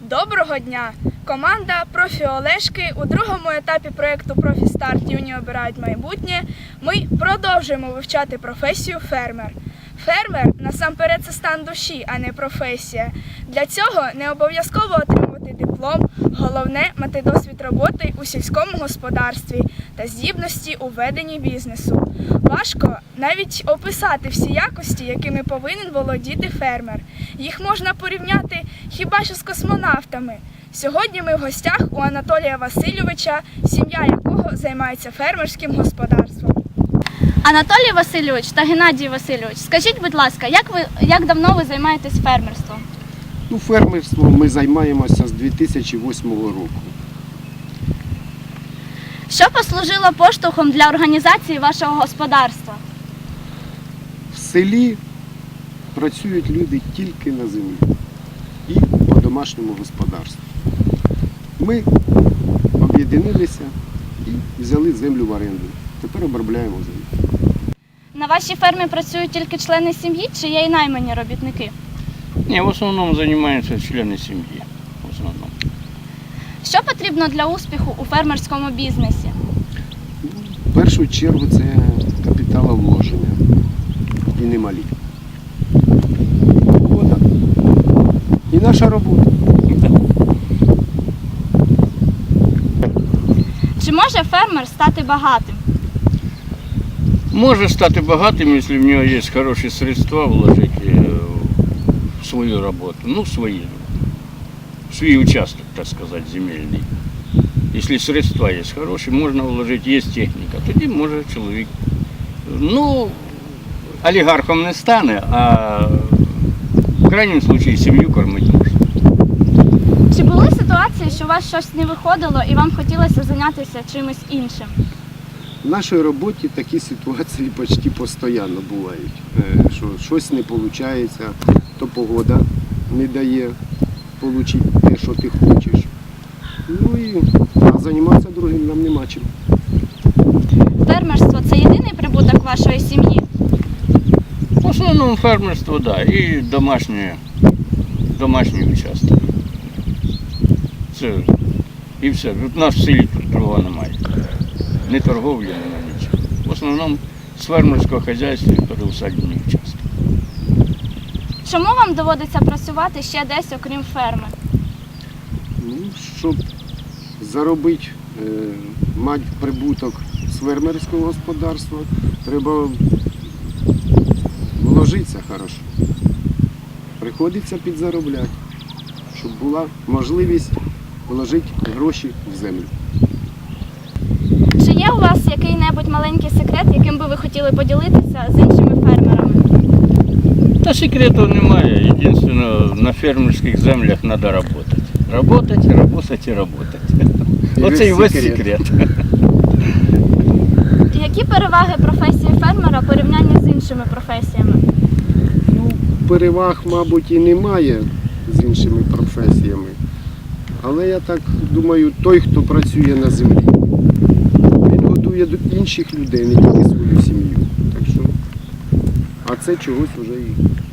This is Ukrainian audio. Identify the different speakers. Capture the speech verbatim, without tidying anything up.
Speaker 1: Доброго дня! Команда «Профі Олешки» у другому етапі проєкту «Профі Старт. Юні обирають майбутнє» ми продовжуємо вивчати професію фермер. Фермер – насамперед це стан душі, а не професія. Для цього не обов'язково отримувати диплом, головне – мати досвід роботи у сільському господарстві та здібності у веденні бізнесу. Важко навіть описати всі якості, якими повинен володіти фермер. Їх можна порівняти хіба що з космонавтами. Сьогодні ми в гостях у Анатолія Васильовича, сім'я якого займається фермерським господарством.
Speaker 2: Анатолій Васильович та Геннадій Васильович, скажіть, будь ласка, як ви як давно ви займаєтесь фермерством?
Speaker 3: Ну, фермерством ми займаємося з дві тисячі восьмого року.
Speaker 2: Що послужило поштовхом для організації вашого господарства?
Speaker 3: В селі працюють люди тільки на землі і по домашньому господарству. Ми об'єдналися і взяли землю в оренду. Тепер обробляємо землю.
Speaker 2: На вашій фермі працюють тільки члени сім'ї чи є і наймані робітники?
Speaker 4: Ні, в основному займаються члени сім'ї. В основному.
Speaker 2: Що потрібно для успіху у фермерському бізнесі?
Speaker 3: В першу чергу це капіталовложення і немалі. Погода і наша робота.
Speaker 2: Чи може фермер стати багатим?
Speaker 4: Може стати багатим, якщо в нього є хороші средства вложити в свою роботу. Ну, свої. В свій участок, так сказати, земельний. Якщо средства є хороші, можна вложити, є техніка, тоді може чоловік. Ну, олігархом не стане, а в крайньому випадку сім'ю кормити можна.
Speaker 2: Чи були ситуації, що у вас щось не виходило і вам хотілося зайнятися чимось іншим?
Speaker 3: В нашій роботі такі ситуації почти постійно бувають. Що щось не виходить, то погода не дає отримати те, що ти хочеш. Ну і а займатися другим нам нема чим.
Speaker 2: Фермерство – це єдиний прибуток вашої сім'ї?
Speaker 4: В основному фермерство, так, да, і домашнє, домашній участок. Це і все. У нас в селі тут другого немає. Ні торговлі, ні нічого. В основному з фермерського хазяйства і переусадні участки.
Speaker 2: Чому вам доводиться працювати ще десь, окрім ферми?
Speaker 3: Ну, щоб заробити, е, мати прибуток з фермерського господарства, треба вложитися хорошо. Приходиться підзаробляти, щоб була можливість вложити гроші в землю.
Speaker 2: Чи є у вас який-небудь маленький секрет, яким би ви хотіли поділитися з іншими фермерами?
Speaker 4: Та секрету немає. Єдине, на фермерських землях треба працювати. Работать, работать і работать. Оце і весь секрет.
Speaker 2: Які переваги професії фермера в порівнянні з іншими професіями?
Speaker 3: Ну, переваг, мабуть, і немає з іншими професіями. Але я так думаю, той, хто працює на землі, він годує інших людей, не тільки свою сім'ю. Так що, а це чогось вже і